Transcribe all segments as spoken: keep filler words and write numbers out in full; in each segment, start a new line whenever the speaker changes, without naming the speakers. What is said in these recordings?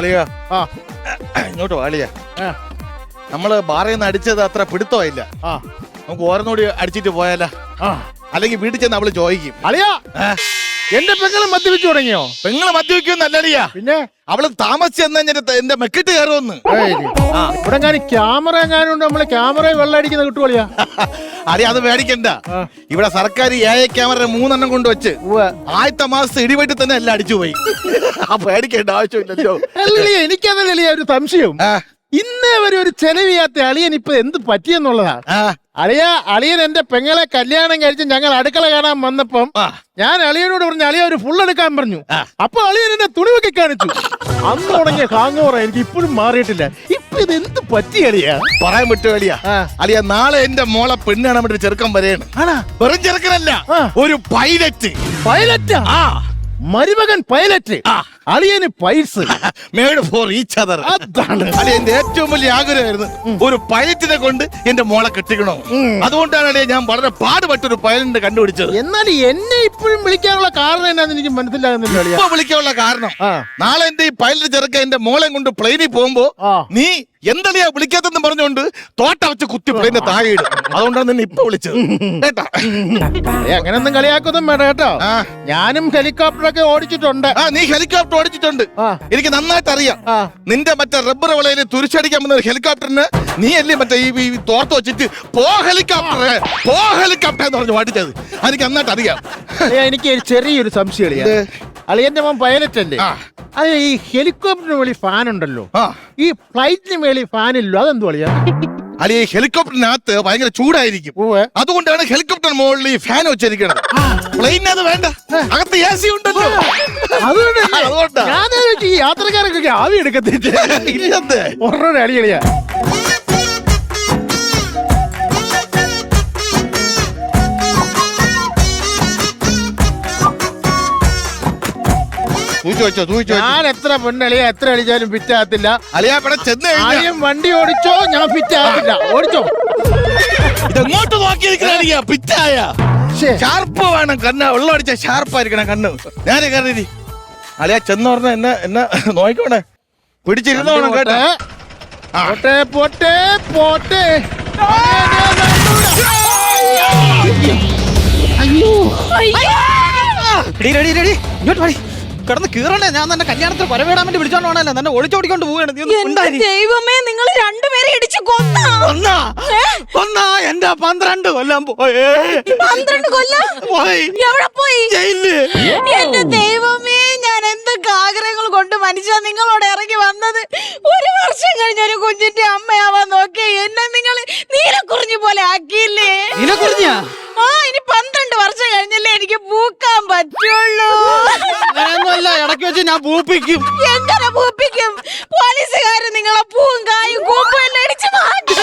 അളിയ ഇങ്ങോട്ട് അളിയ നമ്മള് ബാറിൽ നിന്ന് അടിച്ചത് അത്ര പിടുത്തമായില്ല. നമുക്ക് ഓരോന്നൂടി അടിച്ചിട്ട് പോയാലോ? അല്ലെങ്കിൽ വീട്ടിൽ ചെന്ന് അവള് ചോദിക്കും.
അളിയാ എന്റെ പെങ്ങള് മദ്യപിച്ചു തുടങ്ങിയോ?
പെങ്ങള് മദ്യപിക്കുന്നല്ലടിയാ, പിന്നെ അവള് താമസിച്ചെന്ന് എന്റെ മെക്കിട്ട് കയറുമെന്ന്.
ഇവിടെ എങ്ങാനും ക്യാമറ എങ്ങാനും ഉണ്ട്, നമ്മള് ക്യാമറ വെള്ളം അടിക്കുന്ന കിട്ടുവളിയാ.
അടി അത് മേടിക്കണ്ട. ഇവിടെ സർക്കാർ എ ഐ ക്യാമറ മൂന്നെണ്ണം കൊണ്ടുവച്ച് ആദ്യത്തെ മാസത്തെ ഇടിവെട്ടി തന്നെ എല്ലാം അടിച്ചു പോയി. പേടിക്കേണ്ട ആവശ്യമില്ലല്ലോ.
എനിക്കതല്ലേ ഒരു സംശയം, ഇന്നേ വരെ ഒരു ചെലവിയാത്ത അളിയൻ ഇപ്പൊ എന്ത് പറ്റിയെന്നുള്ളതാ. അളിയ അളിയൻ എന്റെ പെങ്ങളെ കല്യാണം കഴിച്ച് ഞങ്ങൾ അടുക്കള കാണാൻ വന്നപ്പം ഞാൻ അളിയനോട് പറഞ്ഞു അളിയ ഒരു ഫുൾ എടുക്കാൻ പറഞ്ഞു. അപ്പൊ അളിയൻ എന്നെ തുണിവൊക്കെ കാണിച്ചു. അന്ന് തുടങ്ങിയ ഹാങ്ങോറ എനിക്ക് ഇപ്പോഴും മാറിയിട്ടില്ല. ഇപ്പൊ ഇത് എന്ത് പറ്റി അളിയ?
പറയാൻ പറ്റുമോ അളിയ? അളിയ നാളെ എന്റെ മോളെ പെണ്ണ് കാണാൻ വേണ്ടി ചെറുക്കം വരെയാണ്. വെറും ചെറുക്കനല്ല, ഒരു പൈലറ്റ്.
പൈലറ്റാ? മരുമകൻ പൈലറ്റ്, അളിയന് പൈസ്
മേഡ് ഫോർ ഈച്ച് അതർ. അതാണ് അളിയന്റെ ഏറ്റവും വലിയ ആഗ്രഹമായിരുന്നു, ഒരു പൈലറ്റിനെ കൊണ്ട് എന്റെ മോളെ കെട്ടിക്കണോ. അതുകൊണ്ടാണ് അളിയ ഞാൻ വളരെ പാടുപെട്ടൊരു പൈലറ്റിനെ കണ്ടുപിടിച്ചത്.
എന്നാൽ എന്നെ ഇപ്പോഴും വിളിക്കാനുള്ള കാരണം എന്നാന്ന് എനിക്ക് മനസ്സിലാകുന്നില്ല.
ഇപ്പൊ വിളിക്കാനുള്ള കാരണം, നാളെ എന്റെ ഈ പൈലറ്റ് ചെറുക്ക എന്റെ മോളെ കൊണ്ട് പ്ലെയിനിൽ പോകുമ്പോ നീ എന്തളിയാ വിളിക്കാത്തെന്ന് പറഞ്ഞുകൊണ്ട് തോട്ട വെച്ച് കുത്തി പ്ലെയിന്റെ താഴെ ഇടും. അതുകൊണ്ടാണ് നിന്നെ ഇപ്പൊ വിളിച്ചത് കേട്ടാ.
അങ്ങനൊന്നും കളിയാക്കൊന്നും വേണ്ട കേട്ടോ. ഞാനും ഹെലികോപ്റ്ററൊക്കെ ഓടിച്ചിട്ടുണ്ട്.
ആ നീ ഹെലികോപ്റ്റർ ഓടിച്ചിട്ടുണ്ട്, എനിക്ക് നന്നായിട്ട് അറിയാം. നിന്റെ മറ്റേ റബ്ബർ വിളയിൽ തുരിച്ചടിക്കാൻ വന്ന ഹെലികോപ്റ്ററിന് നീ അല്ലേ മറ്റേ ഈ തോർത്ത് വെച്ചിട്ട് പോ ഹെലികോപ്റ്റർ പോ ഹെലികോപ്റ്റർ എന്ന് പറഞ്ഞു ഓടിച്ചത്. എനിക്ക് നന്നായിട്ട് അറിയാം.
എനിക്ക് ചെറിയൊരു സംശയം, അളിയന്റെ മോൻ പൈലറ്റ് അല്ലേ? അത് ഈ ഹെലികോപ്റ്ററിന് വേളി ഫാൻ ഉണ്ടല്ലോ, ഈ ഫ്ലൈറ്റിന് വേളി ഫാൻ ഇല്ലോ, അതെന്തു അളിയാ?
അല്ലെ ഈ ഹെലികോപ്റ്ററിനകത്ത് ഭയങ്കര ചൂടായിരിക്കും, അതുകൊണ്ടാണ് ഹെലികോപ്റ്റർ മുകളിൽ ഈ ഫാൻ വെച്ചിരിക്കുന്നത്. പ്ലെയിനത് വേണ്ട, അകത്ത് എ സി ഉണ്ടല്ലോ.
അതുകൊണ്ട് ഈ യാത്രക്കാരൊക്കെ ആവി എടുക്കത്തില്ല. ഒരെണ്ണം അളിയളിയാ. ഞാൻ എത്ര പെണ്ണളിയാ എത്ര അടിച്ചാലും ഫിറ്റ് ആകത്തില്ല.
അളിയാ ഇവിടെ ചെന്ന്
ആദ്യം വണ്ടി ഓടിച്ചോ, ഞാൻ ഫിറ്റ് ആകത്തില്ല. ഓടിച്ചോ,
ഇതെങ്ങോട്ട് നോക്കിയിരിക്കണ പിറ്റായ ഷാർപ്പ് വേണം. കണ്ണ് വെള്ളം അടിച്ച ഷാർപ്പായിരിക്കണം കണ്ണ്. ഞാനേ കയറി അളിയാ ചെന്ന് പറഞ്ഞ എന്നെ എന്നെ നോക്കണേ, പിടിച്ചിരുന്നോണം കേട്ടെ.
പോട്ടെ പോട്ടെ പോട്ടെ.
ഇങ്ങോട്ട് കിടന്ന് കീറണ്ടേ? ഞാൻ തന്നെ കല്യാണത്തിന് പരവേടാൻ വേണ്ടി വിളിച്ചോണ്ട് പോണല്ലേ, തന്നെ ഒളിച്ചോടിക്കൊണ്ട് പോവുകയാണ്.
ദൈവമേ, നിങ്ങൾ രണ്ടുപേരെ ഇടിച്ചു കൊന്നാ
കൊന്നാ എന്റെ പന്ത്രണ്ട് കൊല്ലം പോയേ.
പന്ത്രണ്ട് കൊല്ലം എവിടെ പോയി? എന്റെ ദൈവമേ, ഞാൻ എന്തൊക്കെ ആഗ്രഹങ്ങൾ കൊണ്ട് മനുഷ്യ നിങ്ങളോട് ഇറങ്ങി വന്നത്. ഒരു വർഷം കഴിഞ്ഞ ഒരു കുഞ്ഞിന്റെ അമ്മയാവാൻ നോക്കി എന്നെ നിങ്ങൾ നീലക്കുറിഞ്ഞി പോലെ ആക്കിയില്ലേ?
നീലക്കുറിഞ്ഞാ?
ആ, ഇനി പന്ത്രണ്ട് വർഷം കഴിഞ്ഞല്ലേ എനിക്ക് പൂക്കാൻ പറ്റുള്ളൂ.
അങ്ങനെയൊന്നുമല്ല, ഇടയ്ക്ക് വെച്ച് ഞാൻ പൂപ്പിക്കും.
എങ്ങനെ പൂപ്പിക്കും? പോലീസുകാര് നിങ്ങളെ പൂവും കായും കൂമ്പും എല്ലാം അടിച്ചു മാറ്റും.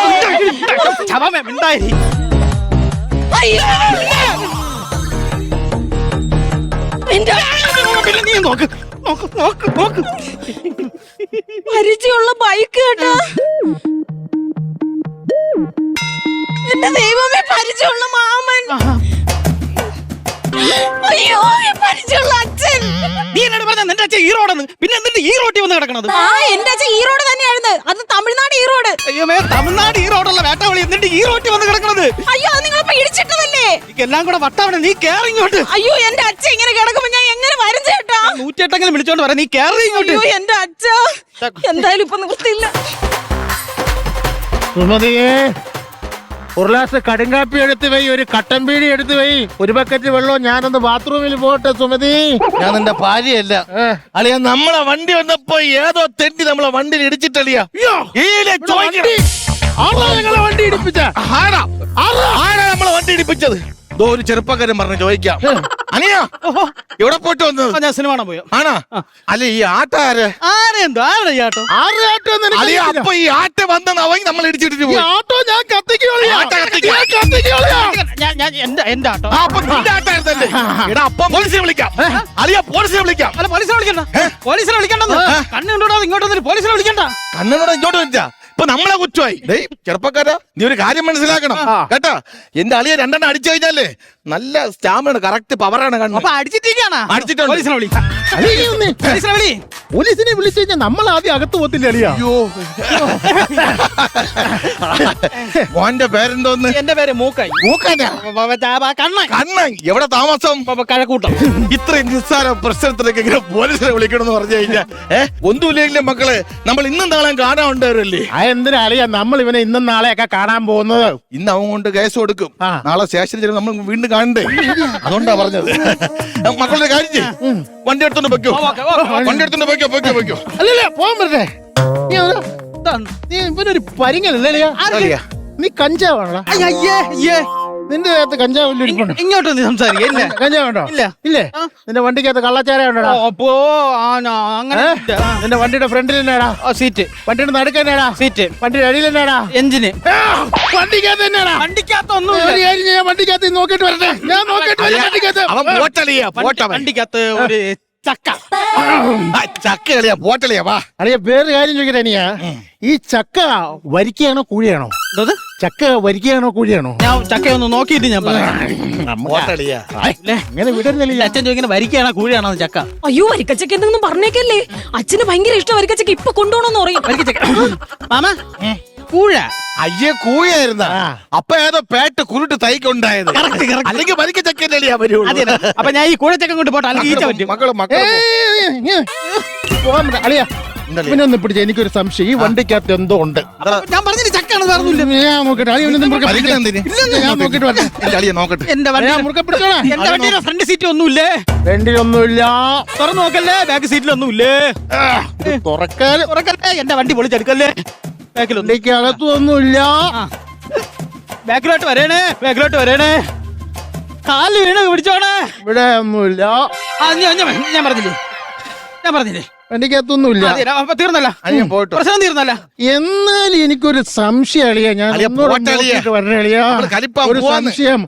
നീ നോക്ക് നോക്ക് നോക്ക് നോക്ക്.
പരിചയമുള്ള ബൈക്ക് കേട്ടാ. എന്റെ ദൈവമേ, പരിചയമുള്ള മാമൻ. അയ്യോ, പരിചയമുള്ള അച്ഛൻ.
നീ എന്നോട് പറഞ്ഞ നിന്റെ അച്ഛൻ ഈറോടെന്ന്, പിന്നെ എന്നിട്ട് ഈ റോട്ടി വന്ന് കിടക്കണത്?
ആ, എന്റെ അച്ഛൻ ഈറോഡ് തന്നെയായിരുന്നു. അത് തമിഴ്നാട് ഈറോഡ്.
അയ്യോ മേ, തമിഴ്നാട് ഈറോഡുള്ള വേട്ടാവളി, എന്നിട്ട് ഈ റോട്ടി വന്ന് കിടക്കണത്?
അയ്യോ, അത് നിങ്ങളിപ്പോ ഇടിച്ചിട്ടതല്ലേ?
എല്ലാം കൂടെ വട്ടാവണേ, നീ കേറി ഇങ്ങോട്ട്.
അയ്യോ, എന്റെ അച്ഛൻ ഇങ്ങനെ കിടക്കുമ്പോ ഞാൻ എങ്ങനെ വരും ചേട്ടാ?
നൂറ്റിയെട്ടെങ്കിലും വിളിച്ചോണ്ട് വരാം, നീ കേറി ഇങ്ങോട്ട്.
അയ്യോ, എന്റെ അച്ഛ, എന്തായാലും ഇപ്പൊ നിർത്തിയില്ല.
സുമതിയെ, ഒരു ഗ്ലാസ് കടുങ്കാപ്പി എടുത്ത് വൈ, ഒരു കട്ടൻ പീടി എടുത്ത് വൈ, ഒരു ബക്കറ്റ് വെള്ളവും. ഞാനൊന്ന് ബാത്റൂമിൽ പോട്ടെ സുമതി.
ഞാൻ നിന്റെ ഭാര്യയല്ല അളിയ. നമ്മളെ വണ്ടി വന്നപ്പോ ഏതോ തെണ്ടി നമ്മളെ വണ്ടിയിൽ ഇടിച്ചിട്ടളിയാ.
ഞങ്ങളെ വണ്ടി ഇടിപ്പിച്ച
ആരാ ആരാ നമ്മളെ വണ്ടി ഇടിപ്പിച്ചത്? ഒരു ചെറുപ്പക്കാരൻ പറഞ്ഞു ചോദിക്കാം. അനിയാ എവിടെ പോയിട്ട് വന്നത്?
ഞാൻ സിനിമ കാണാൻ പോയോ?
ആണോ? അല്ല ഈ ആട്ടാര്
ആരെന്തോ ആരുടെ ഈ ആട്ടോ?
ആരുടെ ആട്ടോ?
അപ്പൊ ഈ ആട്ട വന്നെന്ന് അവൻ നമ്മൾ ഇടിച്ചിട്ട് പോയി.
ആട്ടോ ഞാൻ കത്തിക്കോളിയാ.
എന്റെ ആട്ടോ.
അപ്പൊ നിന്റെ ആട്ടായിരുന്നല്ലേ? എടാ അപ്പൊ പോലീസിനെ വിളിക്കാം. അളിയ പോലീസിനെ വിളിക്കാം.
അല്ല പോലീസിനെ വിളിക്കണ്ട, പോലീസിനെ വിളിക്കണ്ടെന്ന്. കണ്ണുകൊണ്ടോ ഇങ്ങോട്ട് വന്നിട്ട് പോലീസിനെ വിളിക്കണ്ട.
കണ്ണനോട് ഇങ്ങോട്ട് വെച്ചാ ഇപ്പൊ നമ്മളെ കുറ്റമായി. ചെറുപ്പക്കാരാ, നീ ഒരു കാര്യം മനസ്സിലാക്കണം കേട്ടാ. എന്റെ അളിയെ രണ്ടെണ്ണം അടിച്ചു കഴിഞ്ഞാലേ നല്ല സ്റ്റാമിനാണ്, കറക്റ്റ് പവറാണ്. കണ്ണു
അപ്പൊ അടിച്ചിട്ടിരിക്കാണ്.
അടിച്ചിട്ടുണ്ട്.
പോലീസിനെ വിളി, പോലീസിനെ വിളി.
പോലീസിനെ വിളിച്ചു കഴിഞ്ഞാൽ നമ്മൾ ആദ്യം അകത്ത് പോത്തില്ല അളിയാ.
അയ്യോ മോന്റെ പേരെന്തോന്ന്?
എന്റെ പേര് മൂക്കായി.
മൂക്കാനാ?
കണ്ണൻ.
കണ്ണൻ. എവിടെ താമസം?
കഴക്കൂട്ടം.
ഇത്രയും നിസ്സാര പ്രശ്നത്തിലേക്ക് ഇങ്ങനെ പോലീസിനെ വിളിക്കണം എന്ന് പറഞ്ഞു കഴിഞ്ഞാൽ ഏഹ് ഒന്നുമില്ലെങ്കിലും മക്കളെ നമ്മൾ ഇന്നും നാളെ കാണാൻ ഉണ്ടാവരല്ലേ.
ആ എന്തിനാ അളിയാ നമ്മൾ ഇവനെ ഇന്നും നാളെയൊക്കെ കാണാൻ പോകുന്നത്?
ഇന്ന് അവൻ കൊണ്ട് കേസ് കൊടുക്കും,
ആ.
നാളെ സ്റ്റേഷനിൽ ചെല്ലുമ്പോൾ നമ്മൾ വീണ്ടും കാണണ്ടേ. അതുകൊണ്ടാ പറഞ്ഞത്. മക്കളുടെ കാര്യം ചെയ്യ്. വണ്ടി എടുത്തോണ്ട് വെക്കോ, വണ്ടി എടുത്തോണ്ട് വെക്കോ വെക്കോ വെക്കോ.
അല്ലല്ല പോകാൻ പറ്റേ. നീ ഒരു- നീ ഇവനൊരു പരിങ്ങലല്ലേ അളിയാ?
അളിയാ.
നീ കഞ്ചാവാണോ?
അയ്യേ അയ്യേ
നിന്റെ അകത്ത് കഞ്ചാവ് ഇരിപ്പുണ്ടോ?
ഇങ്ങോട്ട് നീ സംസാരിക്കല്ലേ?
കഞ്ചാവുണ്ടോ?
ഇല്ല.
ഇല്ലേ? നിന്റെ വണ്ടിക്കകത്ത് കള്ളച്ചാര ഉണ്ടോ?
അപ്പോ ആ, ഞാ- അങ്ങനെ ഇല്ല. ആ.
നിന്റെ വണ്ടിയുടെ ഫ്രണ്ടിൽ എന്നാടാ?
ആ, സീറ്റ്
വണ്ടിയുടെ നടുക്കന്നാടാ?
സീറ്റ്
വണ്ടിയുടെ അടിയിൽ എന്നാടാ?
എഞ്ചിന്
വണ്ടിക്കകത്ത് എന്നാടാ?
വണ്ടിക്കകത്തൊന്നും
ഒരു കാര്യം ചെയ്യാം, വണ്ടിക്കകത്ത് നോക്കിട്ട് വരട്ടെ. ഞാൻ നോക്കിട്ട് വരാം വണ്ടിക്കകത്ത്.
അവൻ പോട്ടളിയാ, പോട്ടവൻ.
വണ്ടിക്കകത്ത് ഒരു ചക്ക.
ആ, ചക്ക കളിയാ, പോട്ടളിയാ. വാ.
അറിയാ വേറൊരു കാര്യം ചോദിക്കട്ടെ അനിയാ, ഈ ചക്ക വരിക്കയാണോ കൂഴിയാണോ?
എന്തത്?
ചക്ക വരിക്കയാണോ കൂഴിയാണോ?
ഞാൻ ചക്കയൊന്ന് നോക്കിയിട്ട് ഞാൻ പറയാം.
പോട്ടളിയാ.
ഇല്ലേ?
ഇങ്ങനെ വിടരുന്നില്ല.
അച്ഛൻ ചോദിക്കുന്ന വരിക്കയാണോ കൂഴിയാണോ ചക്ക?
അയ്യോ വരിക്കച്ചക്ക എന്തെങ്കിലും പറഞ്ഞേക്കല്ലേ. അച്ഛന് ഭയങ്കര ഇഷ്ടം വരിക്കച്ചക്ക. ഇപ്പൊ കൊണ്ടുപോകണമെന്ന് പറയും.
വരിക്കച്ചക്ക. മാമ കൂഴ.
അയ്യേ കൂയായിരുന്ന
ആ.
അപ്പൊ ഏതോ പേട്ട് കുരുട്ട് തൈക്കുണ്ടായത്. അല്ലെങ്കിൽ വലിക്ക ചക്കല്ലേ വരുള്ളൂ.
അതെ അപ്പൊ ഞാൻ ഈ കൂഴച്ചക്ക കൊണ്ട് പോട്ടെ, അല്ലെങ്കിൽ ഈച്ച പറ്റും.
മക്കള് മക്കള്
പോകാൻ പറ്റ അളിയാ. ഇവനൊന്ന് പിടിച്ച എനിക്കൊരു സംശയം, ഈ വണ്ടിക്കകത്ത് എന്തോ ഉണ്ട്.
ഞാൻ പറഞ്ഞിട്ട് ചക്കാണ് പറഞ്ഞില്ല.
ഞാൻ നോക്കട്ടെ അളിയ
വലിക്കണ എന്തിന്?
ഞാൻ നോക്കിട്ട് വരട്ടെ.
എന്റെ അളിയെ നോക്കട്ടെ.
എന്റെ വണ്ടി
ഞാൻ മുറുക്കെ പിടിച്ചോളാം.
എന്റെ വണ്ടിയുടെ ഫ്രണ്ട് സീറ്റ് ഒന്നുമില്ലേ?
വണ്ടിയൊന്നുമില്ല.
തുറന്നു നോക്കല്ലേ, ബാക്ക് സീറ്റിലൊന്നുമില്ലേ?
തുറക്കാൻ
തുറക്കല്ലേ, എന്റെ വണ്ടി പൊളിച്ചെടുക്കല്ലേ. ബാക്കിലൊന്നും
വണ്ടിക്കകത്തും ഒന്നുമില്ല.
ബാക്കിലോട്ട് വരേണേ, ബാക്കിലോട്ട് വരേണേ. കാല് വീണ് പിടിച്ചോണേ.
ഇവിടെ ഒന്നുമില്ല.
ആ, ഞാൻ ഞാൻ- ഞാൻ പറഞ്ഞില്ലേ, ഞാൻ പറഞ്ഞില്ലേ.
വണ്ടിക്കകത്തൊന്നുമില്ല.
അതെ, അപ്പൊ തീർന്നല്ല,
അളിയൻ പോയിട്ട്
പ്രശ്നം തീർന്നല്ല.
എന്നാലും എനിക്കൊരു സംശയം അളിയാ. ഞാൻ
അളിയാ,
ഒന്നുകൂടെ
പോട്ടെ അളിയാ.
നോക്കിയിട്ട് വരണേ അളിയാ.
നമ്മള് കലിപ്പാൻ
ഒരു
പോവാന്ന്.
സംശയം.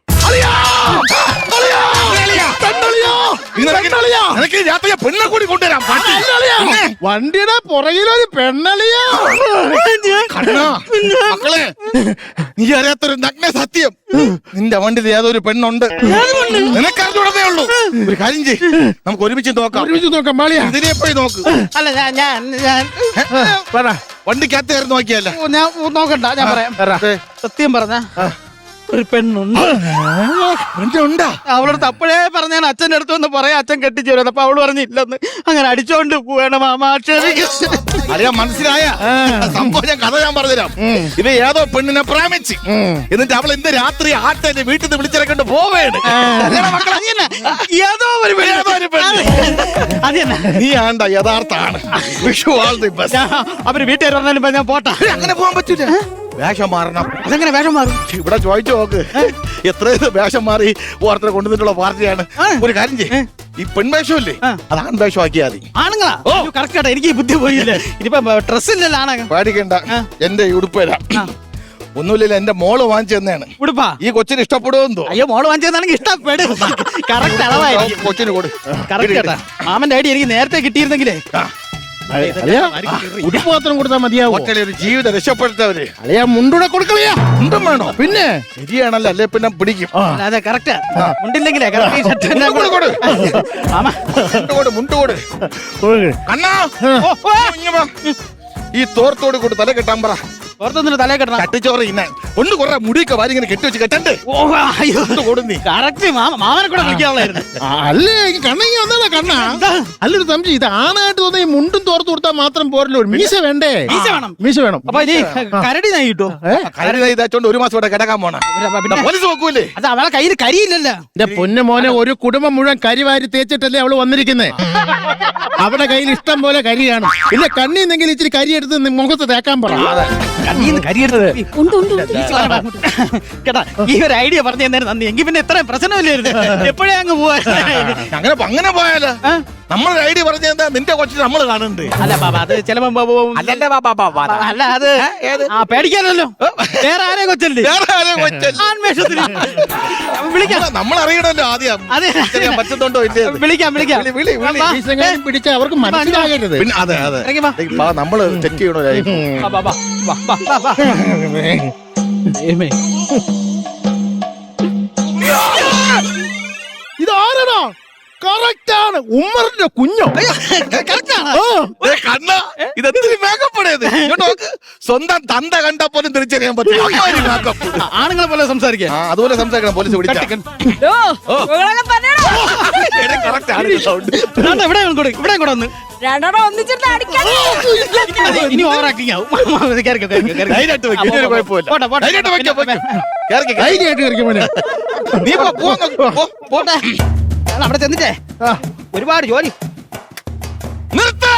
നിനക്ക് രാത്രി പെണ്ണെ കൂടി കൊണ്ടുവരാം. പട്ടി. പിന്നെ?
വണ്ടിയുടെ പുറകിലൊരു പെണ്ണളിയാ.
കണ്ണാ, മക്കളെ നീ അറിയാത്തൊരു നഗ്ന സത്യം, നിന്റെ വണ്ടിയിൽ ഏതൊരു പെണ്ണുണ്ട്. നിനക്കറിഞ്ഞുടനേ ഉള്ളൂ. ഒരു കാര്യം ചെയ്യ്, നമുക്ക് ഒരുമിച്ച് നോക്കാം.
ഒരുമിച്ച് നോക്കാം മാളിയാ.
ഇതിനെ പോയി നോക്ക്.
അല്ല ഞാൻ ഞാൻ ഞാൻ
പറ.
വണ്ടിക്കകത്ത് നോക്കിയല്ല.
ഓ, ഞാൻ നോക്കണ്ട, ഞാൻ പറയാം. സത്യം പറഞ്ഞ ഒരു പെണ്ണുണ്ട്.
ഉണ്ടാ
അവളടുത്ത് അപ്പോഴേ പറഞ്ഞാണ് അച്ഛൻ്റെ അടുത്ത് ഒന്ന് പറയാം, അച്ഛൻ കെട്ടിച്ചു വരുന്നത്. അപ്പൊ അവള് പറഞ്ഞില്ലെന്ന്. അങ്ങനെ അടിച്ചോണ്ട് പോവേണം മാമാ.
അറിയാ, മനസ്സിലായ സംഭവം ഞാൻ കഥ ഞാൻ പറഞ്ഞുതരാം. ഇത് ഏതോ പെണ്ണിനെ പ്രേമിച്ച് എന്നിട്ട് അവൾ ഇന്ന് രാത്രി ആട്ടെ വീട്ടിൽ നിന്ന് വിളിച്ചിറക്കൊണ്ട് പോവേണ്.
ഏതോ ഒരു പെണ്ണ്.
ഏതോ ഒരു പെണ്ണ്.
അത് തന്നെ.
നീ ആണ്ട യഥാർത്ഥാണ്. Vishu all the best.
ഞാൻ- അവര് വീട്ടുകാർ പറഞ്ഞാലും ഇപ്പൊ ഞാൻ പോട്ടെ.
അങ്ങനെ പോകാൻ പറ്റൂല. വേഷം മാറണം.
അതെങ്ങനെ വേഷം മാറും?
ഇവിടെ ചോദിച്ചു നോക്ക്, എത്രയോ വേഷം മാറി ഓർത്തരെ കൊണ്ടുവന്നിട്ടുള്ള പാർട്ടിയാണ്. ഒരു കാര്യം ചെയ്യ്, ഈ പെൺവേഷമില്ലേ അത് ആൺവേഷം ആക്കിയാൽ മതി.
ആണുങ്ങളാ? കറക്റ്റ് കേട്ടോ, എനിക്ക് ഈ ബുദ്ധി പോയില്ലേ. ഇനിയിപ്പൊ ഡ്രസ് ഇല്ലല്ലോ ആണ.
പേടിക്കണ്ട, എന്റെ ഈ ഉടുപ്പ് തരാം. ഒന്നുമില്ല, എന്റെ മോള് വാങ്ങിച്ചു തന്നെയാണ്.
ഉടുപ്പാ?
ഈ കൊച്ചിന് ഇഷ്ടപ്പെടുമെന്തോ.
അയ്യോ, മോള് വാങ്ങിച്ചതാണെങ്കിൽ ഇഷ്ടപ്പെടും. കറക്റ്റ് അളവായിരിക്കും.
കൊച്ചിന് കൊടു.
കറക്റ്റ് കേട്ടാ. മാമന്റെ ഐഡിയ എനിക്ക് നേരത്തെ കിട്ടിയിരുന്നെങ്കിലേ.
അളിയാ, ഉടുപ്പ് മാത്രം കൊടുത്താൽ മതിയാവോ?
ഒറ്റ ഒരു ജീവിതം രക്ഷപ്പെടുത്തവര്
അളിയാ മുണ്ടൂടെ കൊടുക്കളിയാ.
എന്തും വേണോ?
പിന്നെ
ശരിയാണല്ലോ, അല്ലേ പിന്നെ പിടിക്കും.
അതെ കറക്റ്റ്. മുണ്ടില്ലെങ്കിലേ
മുണ്ട് കൊടു,
മാമ
മുണ്ട് കൊടു, മുണ്ട് കൊടു. കണ്ണാ,
ഓ, ഓ.
ഇങ്ങ് വാ. ഈ തോർത്തോട് കൂടി തല കെട്ടാൻ പറ.
പുറത്തൊന്നിട്ട് തലേ കെട്ടണം.
കട്ടിച്ചോറ് ഇന്നാൻ കൊണ്ട് കുറെ മുടിയൊക്കെ വാരി ഇങ്ങനെ കെട്ടി വെച്ച് കെട്ടണ്ടേ.
ഓ, അയ്യോ,
കൊടുന്നി
കറക്റ്റ്. മാമ മാമനെ കൂടെ വിളിക്കാനുള്ളായിരുന്നു.
അല്ലേ കണ്ണങ്ങി വന്നാ കണ്ണ. അല്ലൊരു സംശയം, ഇത് ആണായിട്ട് തോന്നുന്ന ഈ മുണ്ടും തോർത്ത് കൊടുത്താൽ മാത്രം പോരല്ലോ, ഒരു മീശ വേണ്ടേ?
മീശ വേണം.
മീശ വേണം.
അപ്പൊ ഇനി കരടി നായി കിട്ടോ?
കരുതി ഇതാച്ചോണ്ട് ഒരു മാസം ഇവിടെ കിടക്കാൻ പോണ
പിന്നെ
പോലീസ് നോക്കൂലേ.
അത് അവളെ കയ്യിൽ കരിയില്ലല്ലോ.
എന്റെ പൊന്നു മോനെ, ഒരു കുടുംബം മുഴുവൻ കരിവാരി തേച്ചിട്ടല്ലേ അവള് വന്നിരിക്കുന്നേ. അവിടെ കയ്യിൽ ഇഷ്ടം പോലെ കരിയാണ്. ഇല്ല കണ്ണിന്നെങ്കിൽ ഇച്ചിരി കരി എടുത്ത് നി- മുഖത്ത് തേക്കാൻ പറ.
കണ്ണീന്ന് കരിയെടുത്തത്
ഉണ്ട് ഉണ്ട് ഉണ്ട്.
കേട്ടാ, ഈ ഒരു ഐഡിയ പറഞ്ഞു തന്നേരം നന്ദി. എങ്കിൽ പിന്നെ ഇത്രയും പ്രശ്നമില്ലായിരുന്നു. എപ്പോഴേ അങ്ങ് പോവാ.
അങ്ങനെ അങ്ങനെ പോയാലോ? നമ്മളൊരു ഐഡിയ പറഞ്ഞു എന്താ, നിന്റെ കൊച്ചിന് നമ്മള് കാണുന്നുണ്ട്.
അല്ല ബാബാ, അത് ചിലപ്പോ അല്ല അത് ആ പേടിക്കാനല്ലോ. വേറെ ആരെ കൊച്ചല്ലേ
വേറെ ആരെയും കൊച്ചല്ല.
ആൺവേഷത്തിന് വിളിക്കാം.
നമ്മൾ അറിയണല്ലോ ആദ്യം
അതെ.
ചെയ്യാൻ പറ്റുന്നുണ്ടോ ഇല്ലേ.
വിളിക്കാം വിളിക്കാം.
വിളി, വിളി, വിളി.
വാ.
മീശെങ്ങാനും പിടിച്ചാൽ അവർക്ക് മനസ്സിലാകരുത്.
പിന്നെ അതെ അതെ
ഇറങ്ങി വാ.
ദേ, വാ, നമ്മള് ചെക്ക് ചെയ്യണോ.
വാ, വാ, വാ, വാ, വാ, വാ, വാ. ദൈവമേ.
ഇത് ആരാടാ? കറക്റ്റ് ആണ്. ഉമ്മറിന്റെ കുഞ്ഞോ?
correct ആണ്.
ദേ കണ്ണ ഇതെന്തൊരു മേക്കപ്പ് ഇങ്ങോട്ട് നോക്ക്. സ്വന്തം തന്ത കണ്ടാ പോലും തിരിച്ചറിയാൻ പറ്റും അമ്മാതിരി makeup.
ആ, ആണുങ്ങളെ പോലെ സംസാരിക്കുക.
ആ, അതുപോലെ സംസാരിക്കണം പോലീസ് വിളിച്ചാ.
ഡോ, നിങ്ങളൊക്കെ തന്നെയാണോ?
എടേ, correct ആണ് ഈ sound.
ഇവിടെ കൂടെ ഇവിടെ കൂടെ വന്ന്
രണ്ടെണ്ണം ഒന്നിച്ചിട്ട് അടിക്കാൻ.
ഇനി ഓവർ ആക്ടിങ് ആവും. കേറിക്കോ, കേറിക്കോ, കേറിക്കോ.
ധൈര്യമായിട്ട് വെക്ക്, ഇനി ഒരു കുഴപ്പമില്ല.
പോട്ടെ, പോട്ടെ.
ധൈര്യമായിട്ട് വെക്ക്, വെക്ക്. കേറിക്ക്, കേറിക്ക്.
ധൈര്യമായിട്ട് കയറിക്കും മോനെ.
നീ പോ, പോ അങ്ങ്, പോ.
പോട്ടെ. ഞാൻ അവിടെ ചെന്നിട്ടേ
ആ,
ഒരുപാട് ജോലി.
നിർത്ത്.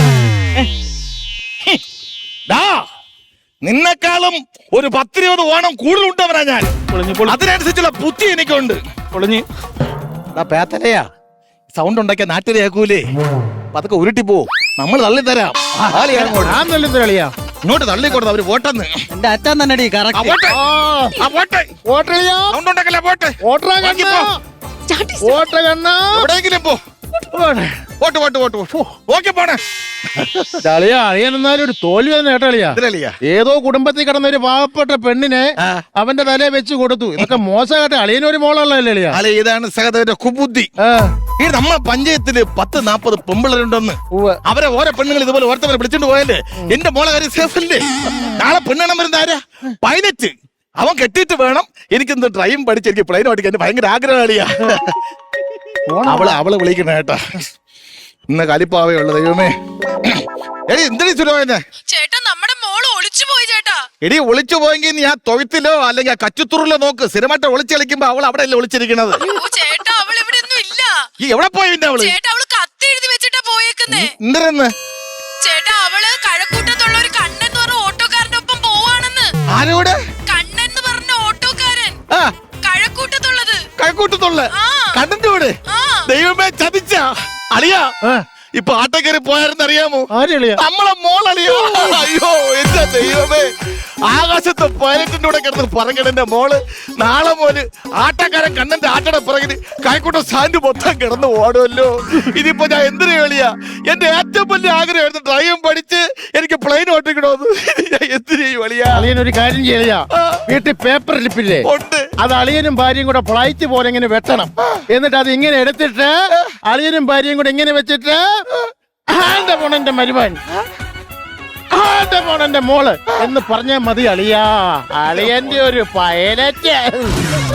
ഡാ, നിന്നെക്കാളും ഒരു പത്തിരുപത് ഓണം കൂടുതൽ ഉണ്ടവനാ ഞാൻ. അതിനനുസരിച്ചുള്ള ബുദ്ധി എനിക്കുണ്ട്.
പൊളിഞ്ഞ്
ഡാ, പേത്തലയാ സൗണ്ട് ഉണ്ടാക്കിയ നാട്ടിൽ കേൾക്കൂലേ? പതൊക്കെ ഉരുട്ടി പോ, നമ്മൾ തള്ളിത്തരാം. ആളി അങ്ങോട്ട്.
ഞാൻ നല്ല കളിയാ.
ഇങ്ങോട്ട് തള്ളിക്കൊടുത്ത അവര് പോട്ടെന്ന്.
എന്റെ അച്ഛൻ തന്നെ
ആ,
കറക്റ്റ്.
പോട്ടെ.
ആ,
ആ, പോട്ടെ.
ഓട്ടളിയാ.
സൗണ്ട് ഉണ്ടാക്കല്ലേ, പോട്ടെ.
ഓട്ടറാ
ബാക്കി
കണ്ണാ.
പോ.
ചാട്ടി.
ഓട്ട കണ്ണാ.
എവിടെയെങ്കിലും പോ.
പോട്ടെ.
പോട്ട് പോട്ട് പോട്ട് പോ. ഓക്കെ പോണേ.
അളിയാ, അളിയൻ എന്നാലും ഒരു തോൽവി തന്നെ കേട്ടോ അളിയാ.
ഇതിലളിയാ.
ഏതോ കുടുംബത്തിൽ കിടന്ന ഒരു പാവപ്പെട്ട പെണ്ണിനെ
ആ.
അവന്റെ തലയെ വെച്ച് കൊടുത്തു. ഇതൊക്കെ മോശമായിട്ട് അളിയനൊരു മോളുള്ളതല്ലേ അളിയാ?
അല്ലെ, ഇതാണ് സഹദേവന്റെ കുബുദ്ധി.
ആ,
ഈ നമ്മളെ പഞ്ചായത്തില് പത്ത് നാപ്പത് പെമ്പിളരുണ്ടെന്ന്.
ഉവ്വ്.
അവരെ ഓരോ പെണ്ണുങ്ങൾ ഇതുപോലെ ഓരോരുത്തരെ വിളിച്ചോണ്ട് പോയല്ലേ. എന്റെ മോളെ കാര്യം സേഫ് അല്ലേ? നാളെ പെണ്ണെണ്ണം വരുന്ന ആരാ? പൈലറ്റ്. അവൻ കെട്ടിയിട്ട് വേണം എനിക്കെന്ത് ഡ്രൈവും പഠിച്ച് എനിക്ക് പ്ലെയിൻ ഓടിക്കാൻ. എന്റെ ഭയങ്കര ആഗ്രഹമാളിയാ. അവള് അവള് വിളിക്കണ കേട്ടാ. ഇന്ന് കലിപ്പാവേ ഉള്ളു ദൈവമേ. എടി എന്തിനീ സുലോചനെ?
ചേട്ടാ, നമ്മുടെ മോള് ഒളിച്ചു പോയി ചേട്ടാ.
എടി ഒളിച്ചു പോയെങ്കിൽ നീ ആ തൊഴുത്തിലോ അല്ലെങ്കിൽ ആ കച്ചുത്തുറിലോ നോക്ക്. സ്ഥിരമായിട്ട് ഒളിച്ചു കളിക്കുമ്പോ അവൾ അവിടെ അല്ലേ ഒളിച്ചിരിക്കണത്.
ഓ ചേട്ടാ, അവൾ ഇവിടെ ഒന്നും ഇല്ല.
ഈ എവിടെ പോയി പിന്നെ അവള്?
ചേട്ടാ, അവള് കത്ത് എഴുതി വെച്ചിട്ടാ പോയേക്കുന്നേ.
എന്തിനെന്ന്?
ചേട്ടാ, അവള് കഴക്കൂട്ടത്തുള്ള ഒരു കണ്ണൻ എന്ന് പറഞ്ഞ ഓട്ടോക്കാരന്റെ ഒപ്പം പോവാണെന്ന്.
ആരോട്?
കണ്ണൻ എന്ന് പറഞ്ഞ ഓട്ടോക്കാരൻ
ആ,
കഴക്കൂട്ടത്തുള്ളത്.
കഴക്കൂട്ടത്തുള്ള
ആ.
കണ്ണന്റെ കൂടെ.
ആ.
ദൈവമേ, ചതിച്ച അളിയാ.
ആ,
ഇപ്പൊ ആട്ട കയറി പോയാരെന്ന് അറിയാമോ?
ആര് അളിയാ?
നമ്മളെ മോളളിയോ. അയ്യോ എന്റെ ദൈവമേ, ആകാശത്ത് പൈലറ്റിന്റെ കൂടെ കിടന്ന് പറങ്ങണ എന്റെ മോള് നാളെ മോല് ആട്ടക്കാരൻ കണ്ണന്റെ ആട്ടയുടെ പിറകിന് കൈക്കൂട്ട സാൻഡ് മൊത്തം കിടന്ന് ഓടുമല്ലോ. ഇതിപ്പോ ഞാൻ എന്തിനു കളിയാ? എന്റെ ഏറ്റവും വലിയ ആഗ്രഹമായിരുന്നു ഡ്രൈവും പഠിച്ച് എനിക്ക് പ്ലെയിൻ ഓട്ടിക്കണോന്ന്. ഞാൻ എന്തിനു കളിയാ?
അളിയൻ ഒരു കാര്യം ചെയ്യാ. വീട്ടിൽ പേപ്പർ ലിപ്പില്ലേ,
ഉണ്ട്.
അത് അളിയനും ഭാര്യയും കൂടെ ഫ്ലൈറ്റ് പോലെ ഇങ്ങനെ വെട്ടണം. എന്നിട്ട് അത് ഇങ്ങനെ എടുത്തിട്ട് അളിയനും ഭാര്യയും കൂടെ ഇങ്ങനെ വെച്ചിട്ട് ആന്റെ പോണെന്റെ മരുമൻ, ആന്റെ പോണെന്റെ മോള് എന്ന് പറഞ്ഞാൽ മതി അളിയാ. അളിയന്റെ ഒരു പൈലറ്റ്.